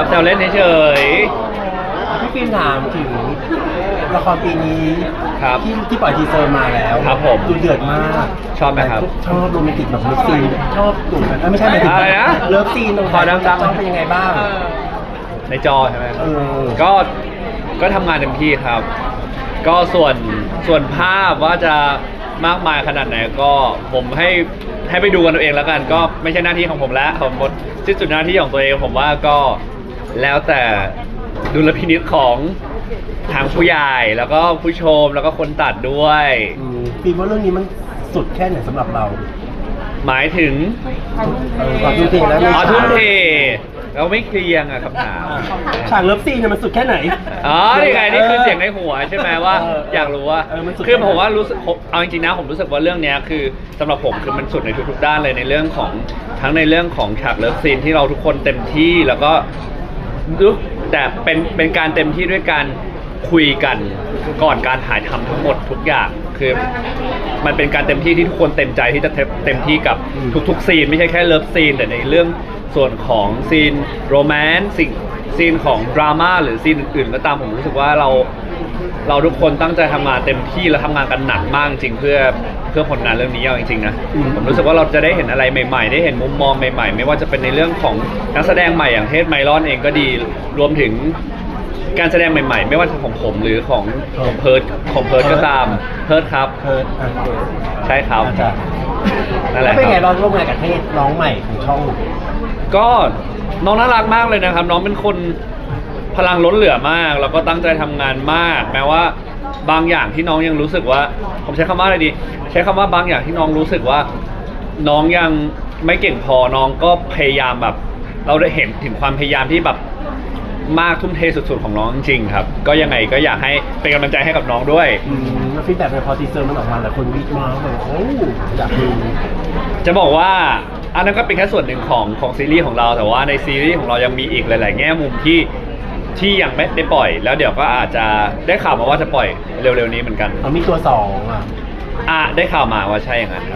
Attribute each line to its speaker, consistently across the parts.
Speaker 1: แซวเล่นเฉย
Speaker 2: พี่ฟิล์มถามถึงละครปีนี้
Speaker 1: ครับ
Speaker 2: ที่ปล่อยทีเซอร์มาแล้ว
Speaker 1: ครับผม
Speaker 2: ดูเดือดมาก
Speaker 1: ชอบไหมครับ
Speaker 2: ชอบโรแมนติกแบบเลิฟซีนชอบกลุ่มไม่ใช่หมายถึง
Speaker 1: อะไรนะ
Speaker 2: เลิฟซีนตรง
Speaker 1: ขอดังๆ
Speaker 2: ชอบเป็นยังไงบ้าง
Speaker 1: ในจอใช่ไหม
Speaker 2: เออ
Speaker 1: ก็ทำงานเต็มที่ครับ ก็ส่วนภาพว่าจะมากมายขนาดไหนก็ผมให้ไปดูกันตัวเองแล้วกัน ก็ไม่ใช่หน้าที่ของผมแล้วผมหมดที่สุดหน้าที่ของตัวเองผมว่าก็แล้วแต่ดุลพินิจของทางผู้ใหญ่แล้วก็ผู้ชมแล้วก็คนตัดด้วย
Speaker 2: ฟิล์มว่าเรื่องนี้มันสุดแค่ไหนสำหรับเรา
Speaker 1: หมายถึง
Speaker 2: ก่อนทุ่มเทแล้ว
Speaker 1: อ๋อทุ่มเทเราไม่เคลียงอะคำถาม
Speaker 2: ฉากเลิฟซีนเนี่ยมันสุดแค่ไหน
Speaker 1: อ๋อนี่ไงนี่คือเสียงในหัวใช่ไหมว่า อยากรู้ว่า
Speaker 2: มันสุด
Speaker 1: คือผมว่ารู้สึกเอาจริงๆนะผมรู้สึกว่าเรื่องเนี้ยคือสำหรับผมคือมันสุดในทุกๆด้านเลยในเรื่องของทั้งในเรื่องของฉากเลิฟซีนที่เราทุกคนเต็มที่แล้วก็แต่เป็นการเต็มที่ด้วยการคุยกันก่อนการถ่ายทำทั้งหมดทุกอย่างคือมันเป็นการเต็มที่ที่ทุกคนเต็มใจที่จะเต็มที่กับทุกๆซีนไม่ใช่แค่เลิฟซีนแต่ในเรื่องส่วนของซีนโรแมนต์ซีนของดราม่าหรือซีนอื่นๆก็ตามผมรู้สึกว่าเราทุกคนตั้งใจทำงานเต็มที่และทำงานกันหนักมากจริงเพื่อผลงานเรื่องนี้เอาจริงๆนะผมรู้สึกว่าเราจะได้เห็นอะไรใหม่ๆได้เห็นมุมมองใหม่ๆไม่ว่าจะเป็นในเรื่องของนักแสดงใหม่อย่างเทศไมลอนเองก็ดีรวมถึงการแสดงใหม่ๆ ไม่ว่าจะของผมหรือของเพิร์ดก็ตามเพิร์ดครับใช่ครับนั่นแห
Speaker 2: แล้ว
Speaker 1: ละ
Speaker 2: เป็น
Speaker 1: ค
Speaker 2: ไง
Speaker 1: รับ
Speaker 2: เราร่วมงานกับเทศน้องใหม่ของช่อง
Speaker 1: ก็น้องน่ารักมากเลยนะครับ น้องเป็นคนพลังล้นเหลือมากแล้วก็ตั้งใจทำงานมาก แม้ว่าบางอย่างที่น้องยังรู้สึกว่า ผมใช้คำว่าอะไรดี ใช้คำว่าบางอย่างที่น้องรู้สึกว่า น้องยังไม่เก่งพอน้องก็พยายามแบบ เราได้เห็นถึงความพยายามที่แบบมากทุ่มเทสุดๆของน้องจริงๆครับ ก็ยังไงก็อยากให้เป็นกำลังใจให้กับน้องด้วย
Speaker 2: แล้วฟีดแบ็กในพอทีเซอร์มันออกมาหลายคนวิจารณ์แบบโอ้อยากดู
Speaker 1: จะบอกว่าอันนั้นก็เป็นแค่ส่วนหนึ่งของซีรีส์ของเราแต่ว่าในซีรีส์ของเรายังมีอีกหลาย ๆ แง่มุมที่ยังไม่ได้ปล่อย แล้วเดี๋ยวก็อาจจะได้ข่าวมาว่าจะปล่อยเร็วๆนี้เหมือนกัน
Speaker 2: มีตัวสองอ่ะ
Speaker 1: ได้ข่าวมาว่าใช่อย่างนั้นครับ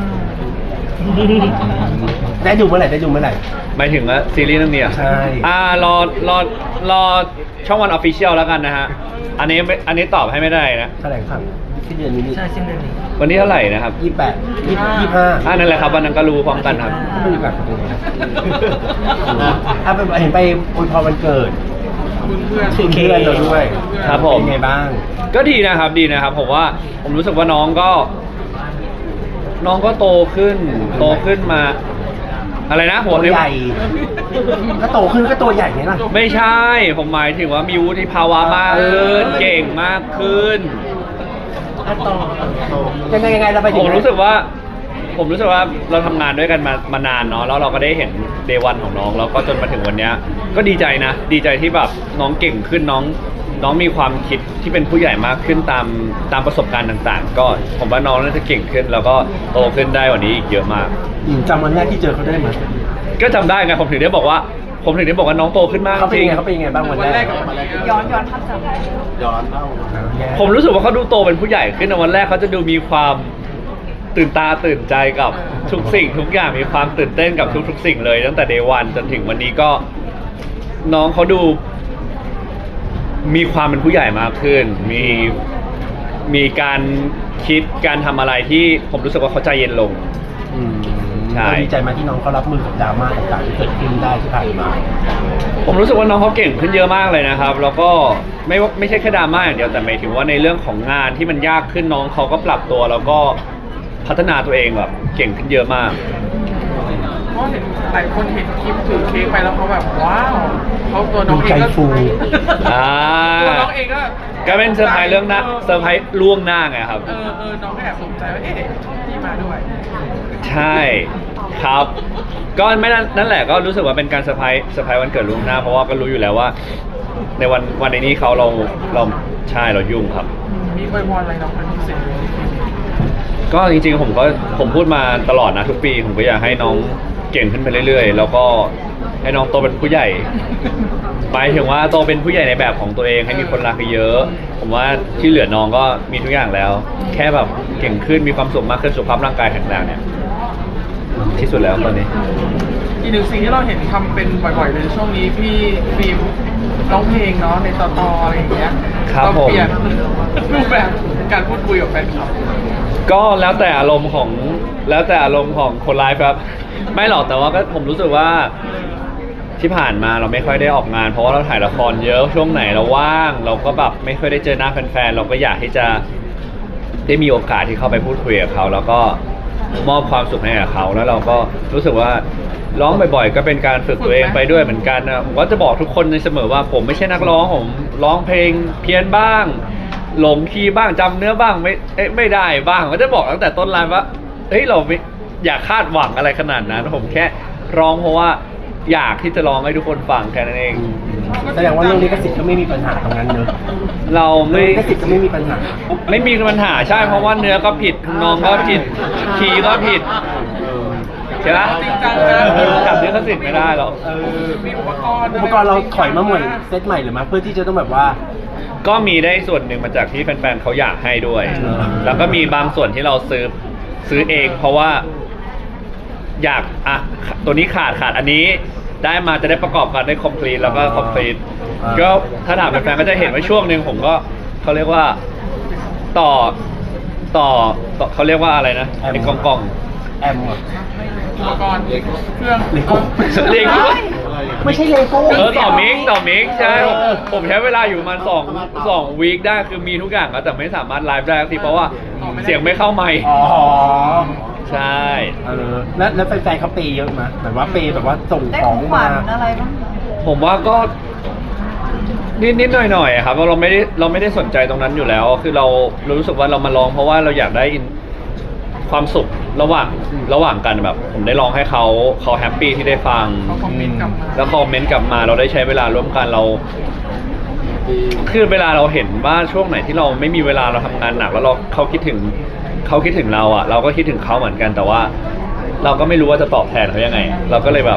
Speaker 2: ได้ดูเมื่อไหร่
Speaker 1: หมายถึงว่าซีรีส์เรื่องนี้อะ
Speaker 2: ใช่
Speaker 1: รอช่องวันออฟฟิเชียลแล้วกันนะฮะอันนี้ตอบให้ไม่ได้นะ
Speaker 2: แถลงข่าวที่เดือนนี้
Speaker 3: ใช่สิ้นเดือนนี้
Speaker 1: วันนี้เท่าไหร่นะครับ
Speaker 2: 25
Speaker 1: นั่นแหละครับวันนั้นก็รู้พร้อมกันครับ
Speaker 2: ไม่รู้แบบนี้เห็นไปอวยพรวันเกิดถึงเพื่อนเราด้วย
Speaker 1: ครับผม
Speaker 2: เป็นไงบ้าง
Speaker 1: ก็ดีนะครับผมว่าผมรู้สึกว่าน้องก็โตขึ้นมาอะไรนะหัว
Speaker 2: ตัวใหญ่ก็โตขึ้นก็ตัวใหญ่ไงล่ะ
Speaker 1: ไม่ใช่ผมหมายถึงว่ามีวุฒิภาวะมากขึ้นเก่งมากขึ้น
Speaker 2: ยังไงเราไปถึง
Speaker 1: ผมรู้สึกว่าเราทำงานด้วยกันมานานเนาะแล้วเราก็ได้เห็นเดวันของน้องแล้วก็จนมาถึงวันเนี้ยก็ดีใจนะดีใจที่แบบน้องเก่งขึ้นน้องมีความคิดที่เป็นผู้ใหญ่มากขึ้นตามประสบการณ์ต่างๆ ก็ผมว่าน้องน่าจะเก่งขึ้นแล้วก็โตขึ้นได้กว่านี้อีกเยอะมาก
Speaker 2: จำวันแรกที่เจอเขาได้ไหม
Speaker 1: ก็จำได้ไงผมถึงได้บอกว่าน้องโตขึ้นมาก
Speaker 2: เขาเป็น
Speaker 1: จริ
Speaker 2: ยัง งไงเขาเป็นยังไงบ้างวันแรก
Speaker 4: ย้อนภาพจำ
Speaker 1: ผมรู้สึกว่าเขาดูโตเป็นผู้ใหญ่ขึ้นในวันแรกเขาจะดูมีความตื่นตาตื่นใจกับทุกสิ่งทุกอย่างมีความตื่นเต้นกับทุกๆสิ่งเลยตั้งแต่เดวันจนถึงวันนี้ก็น้องเขาดูมีความเป็นผู้ใหญ่มากขึ้นมีการคิดการทำอะไรที่ผมรู้สึกว่าเขาใจเย็นลง ใช่
Speaker 2: เราดีใจมาที่น้องเขารับมือกับดราม่าต่างๆที่เกิดขึ้นได้ที่ผ่านมา
Speaker 1: ผมรู้สึกว่าน้องเขาเก่งขึ้นเยอะมากเลยนะครับแล้วก็ไม่ใช่แค่ดราม่าอย่างเดียวแต่หมายถึงว่าในเรื่องของงานที่มันยากขึ้นน้องเขาก็ปรับตัวแล้วก็พัฒนาตัวเองแบบเก่งขึ้นเยอะมาก
Speaker 3: เพราะเห็นหลายคนเห็นคลิปถือเค้กไปแล้วเขาแบบว้าวเขาตัวน้องเองก็
Speaker 2: ดูใจฟู
Speaker 3: ตัวน้องเองก็
Speaker 1: ก็เป็นเซอร์ไพรส์เรื่องหน้าเซอร์ไพรส์ล่วงหน้าไงครับ
Speaker 3: น้องก็แอบสนใจว่าเอ๊ะพี่มาด้วย
Speaker 1: ใช่ครับก็ไม่นั่นแหละก็รู้สึกว่าเป็นการเซอร์ไพรส์วันเกิดล่วงหน้าเพราะว่าก็รู้อยู่แล้วว่า ในวันในนี้เราใช่เรายุ่งครับ
Speaker 3: มีอวยพรอะไรน้องเป็นพิเศษ
Speaker 1: ก็จริงๆผมพูดมาตลอดนะทุกปีผมก็อยากให้น้องเก่งขึ้นไปเรื่อยๆแล้วก็ให้น้องโตเป็นผู้ใหญ่หมายถึงว่าโตเป็นผู้ใหญ่ในแบบของตัวเองให้มีคนรักเยอะผมว่าที่เหลือน้องก็มีทุกอย่างแล้ว แค่แบบเก่งขึ้นมีความสุขมากขึ้นสุขภาพร่างกายแข็งแรงเนี่ยที่สุดแล้วตอนนี้
Speaker 3: อีกหนึ่งสิ่งที่เราเห็นทำเป็นบ่อยๆเลยช่วงนี้พี่ฟิล์มร้องเพลงเนาะในต่ออะไรอย่างเงี้ย
Speaker 1: ครับ
Speaker 3: เรา
Speaker 1: ผม
Speaker 3: เปลี่ยนรูปแบบการพูดคุยกับแฟนคลับ
Speaker 1: ก็แล้วแต่อารมณ์ของคนไลฟ์ครับ ไม่หรอกแต่ว่าก็ผมรู้สึกว่าที่ผ่านมาเราไม่ค่อยได้ออกงาน เพราะว่าเราถ่ายละครเยอะช่วงไหนเราว่าง เราก็แบบไม่ค่อยได้เจอหน้าแฟนๆเราก็อยากที่จะได้มีโอกาสที่เข้าไปพูดคุยกับเขาแล้วก็มอบความสุขให้กับเขาแล้วเราก็รู้สึกว่าร้องบ่อยๆ ก็เป็นการฝึกตัวเองไปด้วยเหมือนกันนะผมก็จะบอกทุกคนในเสมอว่าผมไม่ใช่นักร้องผมร้องเพลงเพี้ยนบ้างหลงคีย์บ้างจำเนื้อบ้างไม่ได้บ้างก็จะบอกตั้งแต่ต้นไลฟ์ว่าเฮ้ยเราไม่อยากคาดหวังอะไรขนาดนั้นผมแค่ร้องเพราะว่าอยากที่จะร้องให้ทุกคนฟังแค่นั้นเอง
Speaker 2: แสดงว่าเรื่องลิขสิทธิ์ก็ไม่มีปัญหาตรงนั้นเนอะ
Speaker 1: เราไม่
Speaker 2: ลิขสิทธิ์ก็ไม่มีปัญหา
Speaker 1: ไม่มีปัญหาใช่เพราะว่าเนื้อก็ผิดทำนองก็ผิดคีย์ก็ผิดใช่ไหม
Speaker 3: จริงจังนะ
Speaker 1: จับลิขสิทธิ์ไม่ได้หรอก
Speaker 3: มีอุปกรณ์
Speaker 2: อุปกรณ์เราถอยมาใหม่เซตใหม่หรือมาเพื่อที่จะต้องแบบว่า
Speaker 1: ก็มีได้ส่วนหนึ่งมาจากที่แฟนๆเขาอยากให้ด้วย แล้วก็มีบางส่วนที่เราซื้อเอง เพราะว่าอยากอ่ะตัวนี้ขาดอันนี้ได้มาจะได้ประกอบกันได้ complete แล้วก็ complete ก็ถ้าถามแฟนๆก็จะเห็นว่าช่วงหนึ่งผมก็เขาเรียกว่าต่อเขาเรียกว่าอะไรนะไอ้กล่อง
Speaker 2: แอมอะ
Speaker 3: อุปกรณ์เครื่อง
Speaker 2: เลโก้
Speaker 1: เรียกว่า
Speaker 2: ไม่ใช่เลโก้
Speaker 1: ต่อมิกใช่ผมใช้เวลาอยู่ประมาณ2 วีคได้คือมีทุกอย่างแล้วแต่ไม่สามารถไลฟ์ได้ทีเพราะว่าเสียงไม่เข้าไมค์
Speaker 2: อ๋อ
Speaker 1: ใช่
Speaker 2: แล้วแฟนๆเขาเปย์เยอะไหมแบบว่าเปย์แบบว่าส่ง
Speaker 5: ได้
Speaker 2: ข
Speaker 5: ข
Speaker 2: อ
Speaker 5: อง งขวั
Speaker 2: มา
Speaker 5: ญอะไรบ้าง
Speaker 1: ผมว่าก็นิดหน่อยๆครับเราไม่ได้สนใจตรงนั้นอยู่แล้ว คือเรารู้สึกว่าเรามาลองเพราะว่าเราอยากได้ความสุขระหว่างกันแบบ ผมได้ลองให้เขาแฮปปี้ที่ได้ฟัง
Speaker 3: เขาคอมเมนต์กลับมา
Speaker 1: แล้วคอมเมนต์กลับมาเราได้ใช้เวลาร่วมกันเราคือเวลาเราเห็นว่าช่วงไหนที่เราไม่มีเวลาเราทำงานหนักแล้วเขาคิดถึงเราอ่ะเราก็คิดถึงเขาเหมือนกันแต่ว่า เราก็ไม่รู้ว่าจะตอบแทนเขายังไง เราก็เลยแบบ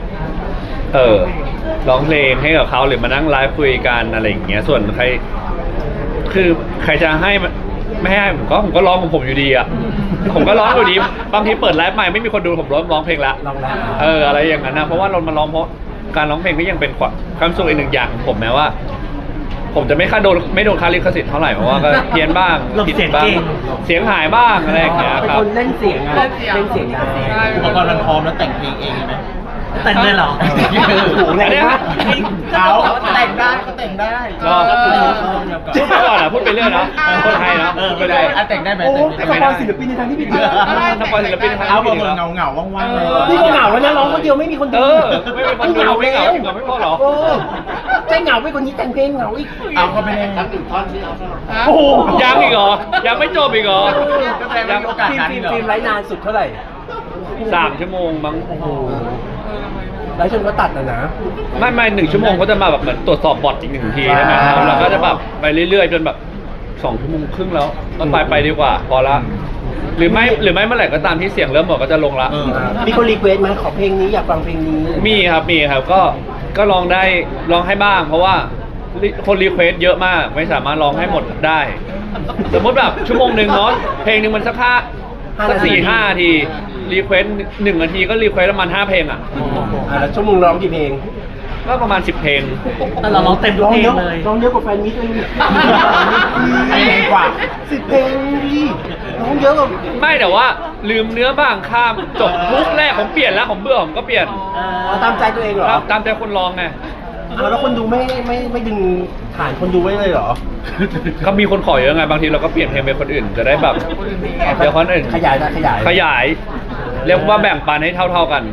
Speaker 1: ร้องเพลงให้กับเขาหรือมานั่งไลฟ์คุยกันอะไรอย่างเงี้ยส่วนใครคือใครจะให้ไม่ให้ผมก็ร้องของผมอยู่ดีอ่ะผมก็ร้องอยู่ดีบางทีเปิดไลฟ์ใหม่ไม่มีคนดูผมร้องเพลงละ
Speaker 2: ลองแล้ว
Speaker 1: อะไรอย่างนั้นนะเพราะว่าเรามาร้องเพราะการร้องเพลงก็ยังเป็นความสุขอีกหนึ่งอย่างของผมแม้ว่า ผมจะไม่โดนค่าลิขสิทธิ์เท่าไหร่เพราะว่าก็เพี้ยนบ้างผิดบ้างเสียงหายบ้างอะไรอย่างเงี้ย
Speaker 2: เป็น
Speaker 1: ครับ
Speaker 2: คนเล่นเสียงอะเล่นเสียงได้
Speaker 3: ใช่
Speaker 4: อุปกรณ์มันพร้อมแล้วแต่งเพลงเองไหม
Speaker 5: แต่งเลยเหรอ
Speaker 2: โอ้โหแรงมาก
Speaker 4: เขาแต่งได้ก็แต่งได้
Speaker 1: พูดไปก่อนนะพูดไปเรื่อยนะคนไทยเนาะพูดไปเรื่อย
Speaker 4: แต่งได้ไหม
Speaker 2: โอ้
Speaker 4: แต่ง
Speaker 2: ส
Speaker 4: ไม่
Speaker 2: ปอ
Speaker 4: ได้
Speaker 2: ยศิลปินในทางที่ผิดเลย
Speaker 1: ถ้าปล่อยศิลปินทาง
Speaker 4: เอา
Speaker 1: ที่
Speaker 4: เบ
Speaker 1: ดี
Speaker 4: อ
Speaker 1: แล้ว
Speaker 4: ร์เงาว่างๆเลย
Speaker 2: นี่ก็เหงาแล้วนะร้องคนเดียวไม่มีคนดู
Speaker 1: ไม่มีคนดูไม่เหงาไม่พอหรอ
Speaker 2: ใจเหงาไปคนนี้แต่งเพลงเหงาอีก
Speaker 4: เอาก็ไม่ได้
Speaker 2: โอ้โห
Speaker 1: ยังอีกเหรอยังไม่จบอีกเหรอ
Speaker 4: ก็แสดงว่ามีโอกาสนั้นเหรอ
Speaker 2: ฟิล์มไร้นานสุดเท่าไหร่
Speaker 1: 3 ชั่วโมงมั้ง
Speaker 2: โอ้โหแล้วจนก็ตัดนะนะ
Speaker 1: ไม่1 ชั่วโมงก็จะมาแบบเหมือนตรวจสอบบอทอีก1 ทีใช่ไหมครับแล้วก็จะแบบไปเรื่อยๆจนแบบ2 ชั่วโมงครึ่งแล้วก็ไปดีกว่าพอละหรือไม่เมื่อไหร่ก็ตามที่เสียงเริ่มหมดก็จะลงละ
Speaker 2: มีคนรีเควสต์ไหมขอเพลงนี้อยากฟังเพลงนี้
Speaker 1: มีครับก็ลองให้บ้าง เพราะว่าคนรีเควสเยอะมากไม่สามารถร้องให้หมดได้ สมมติแบบชั่วโมงหนึ่งเนาะเพลงหนึ่งมันสัก4-5 นาทีรีเควส1 นาทีก็รีเควสประมาณ5 เพลงอ่ะ
Speaker 2: แล้วชั่วโมงร้องกี่เพลง
Speaker 1: ก็ประมาณ10 เพลง
Speaker 5: แต่เราร้องเต็มทุกเพลงเลย
Speaker 2: ร้องเยอะกว่าแฟนมิตรเลย
Speaker 4: เพลงกว่า
Speaker 2: 10 เพลงดิร้องเยอะกว่า
Speaker 1: ไม่แต่ว่าลืมเนื้อบ้างข้ามจบฮุกแรกผมเปลี่ยนแล้วผมเบื่อผมก็เปลี่ยน
Speaker 2: เอาตามใจตัวเองเหรอ
Speaker 1: ครับตามใจคนร้องไง
Speaker 2: เอาแล้วคนดูไม่ดึงฐานคนดูไว้เลยเหรอ
Speaker 1: ก็มีคนขอเยอะไงบางทีเราก็เปลี่ยนเพลงเป็นคนอื่นจะได้แบบเดี๋ยวคนอื่น
Speaker 2: ขยายนะขยาย
Speaker 1: ขยายเรียกว่าแบ่งปันให้เท่าๆกัน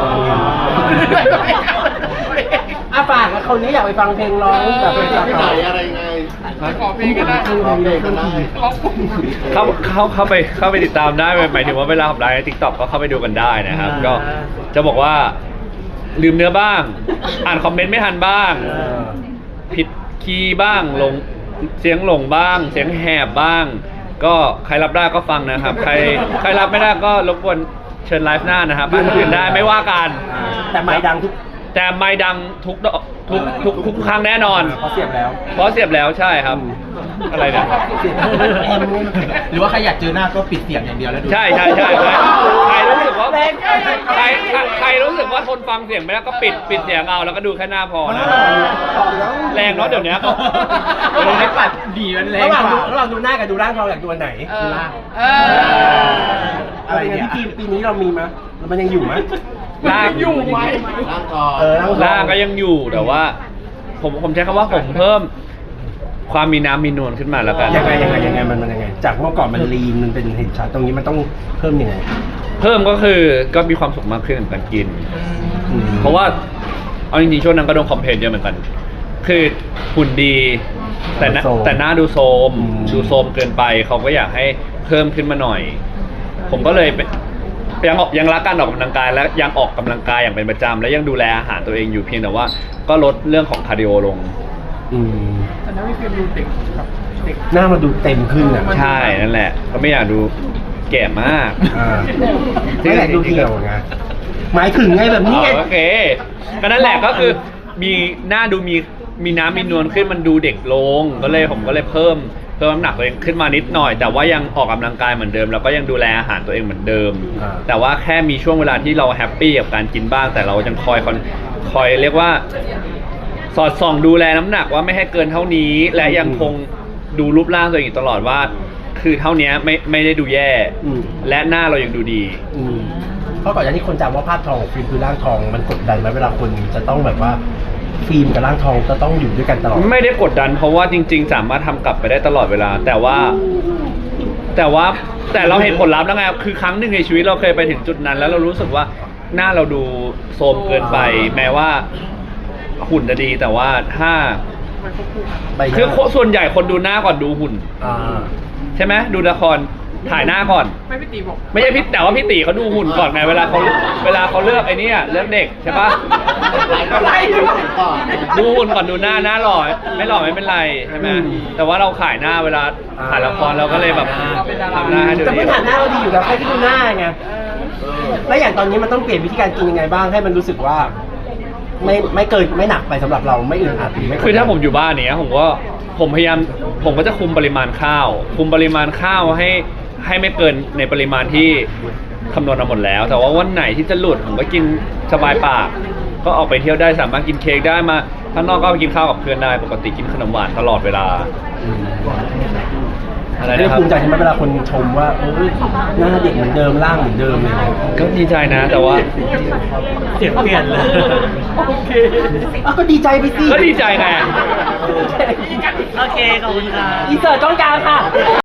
Speaker 2: ฝากแล้วคนนี้อยากไปฟังเพลงร้องแบบเป็นต่อ
Speaker 3: ขอเพลงก็ได้
Speaker 1: เข้าไปติดตามได้หมายถึงว่าเวลาผมไลฟ์ใน TikTok ก็เข้าไปดูกันได้นะครับ ก็จะบอกว่าลืมเนื้อบ้าง อ่านคอมเมนต์ไม่ทันบ้าง ผิดคีย์บ้างเสียงหลงบ้าง เสียงแหบบ้าง ก็ใครรับได้ก็ฟังนะครับ ใครรับไม่ได้ก็รบกวนเชิญไลฟ์หน้านะครับบ้านคนอื่นได้ไม่ว่ากัน
Speaker 2: แต่ไม่ดังทุก
Speaker 1: แต่ไม่ดังทุกครั้งแน่นอน
Speaker 2: เพราะเสียบแล้ว
Speaker 1: เพราะเสียบแล้วใช่ครับ อะไรเนี่ย
Speaker 4: หรือว่าใครอยากเจอหน้าก็ปิดเสียงอย่างเดียวแล้วดู
Speaker 1: ใช่ใครรู้สึกว่า
Speaker 2: แรง
Speaker 1: ใครรู้สึกว่าทนฟังเสียงไม่ได้ก็ปิดเสียงเอาแล้วก็ดูแค่หน้าพอนะแรงเนาะเดี๋ยวนี้เขา
Speaker 3: ไม่ปัดดีมันแรง
Speaker 2: ระหว่างดูหน้ากับดูร่างทองอยากดูอันไหน อะไรเนี่ยพี่ปีนี้เรามีมั้ยมันยังอยู่มั้ย
Speaker 1: ร่างอยู่ไหม
Speaker 4: ร่างก่อน
Speaker 1: ร่างก็ยังอยู่แต่ว่า ผมใช้คำว่าผมเพิ่มความมีน้ำมีนวลขึ้นมาแล้วกัน
Speaker 2: ยังไงมันยังไงจากเมื่อก่อนมันลีนมันเป็นเห็นชัดตรงนี้มันต้องเพิ่มยังไง
Speaker 1: เพิ่มก็คือก็มีความสุขมากขึ้นกับการกิน เพราะว่าเอาจริงๆช่วงนั้นก็โดนคอมเพลนเยอะเหมือนกัน คือหุ่นดีแต่หน้าดูโทรมดูโทรมเกินไปเขาก็อยากให้เพิ่มขึ้นมาหน่อย ผมก็เลยยังรักการออกกำลังกายและยังออกกำลังกายอย่างเป็นประจำและยังดูแลอาหารตัวเองอยู่เพียงแต่ว่าก็ลดเรื่องของคาร์ดิโอลง
Speaker 3: แต่นั้นไม่เคยดูเด็กแบบเด็ก
Speaker 2: หน้ามันดูเต็มขึ้นอ่ะ
Speaker 1: ใช่นั่นแหละก็ไม่อยากดูแก่มาก
Speaker 2: ไม่อยากดูเหี่ยวไงหมายถึงไงแบบนี้ไง
Speaker 1: โอเคก็นั่นแหละก็คือมีหน้าดูมีน้ำมีนวลขึ้นมันดูเด็กลงผมก็เลยเพิ่มน้ำหนักตัวเองขึ้นมานิดหน่อย แต่ว่ายังออกกำลังกายเหมือนเดิมแล้วก็ยังดูแลอาหารตัวเองเหมือนเดิม แต่ว่าแค่มีช่วงเวลาที่เราแฮปปี้กับการกินบ้างแต่เรายังคอยเรียกว่าสอดส่องดูแลน้ำหนักว่าไม่ให้เกินเท่านี้และยังคงดูรูปร่างตัวเองอยู่ตลอดว่า คือเท่านี้ไม่ได้ดูแย่และหน้าเรายังดูดี
Speaker 2: เพราะก่อนหน้านี้คนจำว่าภาพทองของฟิล์มคือร่างทองมันกดดันไหมเวลาคนจะต้องแบบว่าฟิล์มกับร่างทองจะต้องอยู่ด้วยกันตลอด
Speaker 1: ไม่ได้กดดันเพราะว่าจริงๆสามารถทำกลับไปได้ตลอดเวลาแต่เราเห็นผลลัพธ์แล้วไงคือครั้งหนึ่งในชีวิตเราเคยไปถึงจุดนั้น แล้วเรารู้สึกว่าหน้าเราดูโทรมเกินไปแม้ว่าหุ่นจะดีแต่ว่าถ้าคือส่วนใหญ่คนดูหน้าก่อนดูหุ่นใช่ไหมดูละครถ่ายหน้าก่อน
Speaker 3: ไม่พี่ตีบอก
Speaker 1: ไม่ใช่พี่แต่ว่าพี่ตีเขาดูหุ่นก่อนไงเวลาเขาเลือกไอ้นี่เลือกเด็กใช่ปะดูหุ่นก่อนดูหน้าหล่อไม่หล่อไม่เป็นไรใช่ไหมแต่ว่าเราขายหน้าเวลาถ่ายละครเราก็เลยแบบทำหน้าให้ดู
Speaker 2: แต่
Speaker 1: ดี
Speaker 2: พื้นฐานหน้าเราดีอยู่แล้วแค่ที่ดูหน้าไงแล้วอย่างตอนนี้มันต้องเปลี่ยนวิธีการกินยังไงบ้างให้มันรู้สึกว่า ไม่เกินไม่หนักไปสำหรับเราไม่อึดอัดหรือไม่
Speaker 1: คือถ้าผมอยู่บ้านเนี้ยผมพยายามผมก็จะคุมปริมาณข้าวให้ไม่เกินในปริมาณที่คำนวณมาหมดแล้ว แต่ว่าวันไหนที่จะหลุดผมก็กินสบายปากก็ออกไปเที่ยวได้สามารถกินเค้กได้มาข้างนอกก็ไปกินข้าวกับเพื่อนได้ปกติกินขนมหวานตลอดเวลาอะไร
Speaker 2: เรื่อ
Speaker 1: นะ
Speaker 2: ง
Speaker 1: ครับ
Speaker 2: ภูมิใจใช่ไหมเวลาคนชมว่าหน้าเด็กเหมือนเดิมร่างเหมือนเดิมอะไรอย่างเงี้ย
Speaker 1: ก็ดีใจนะแต่ว่า
Speaker 5: เสียงเปลี่ยนเลย
Speaker 2: ก็ดีใจไปสิ
Speaker 1: ก็ดีใจไง
Speaker 5: โอเค ขอบคุณครับ
Speaker 2: อีเสิร์ตจ้องกลางค่ะ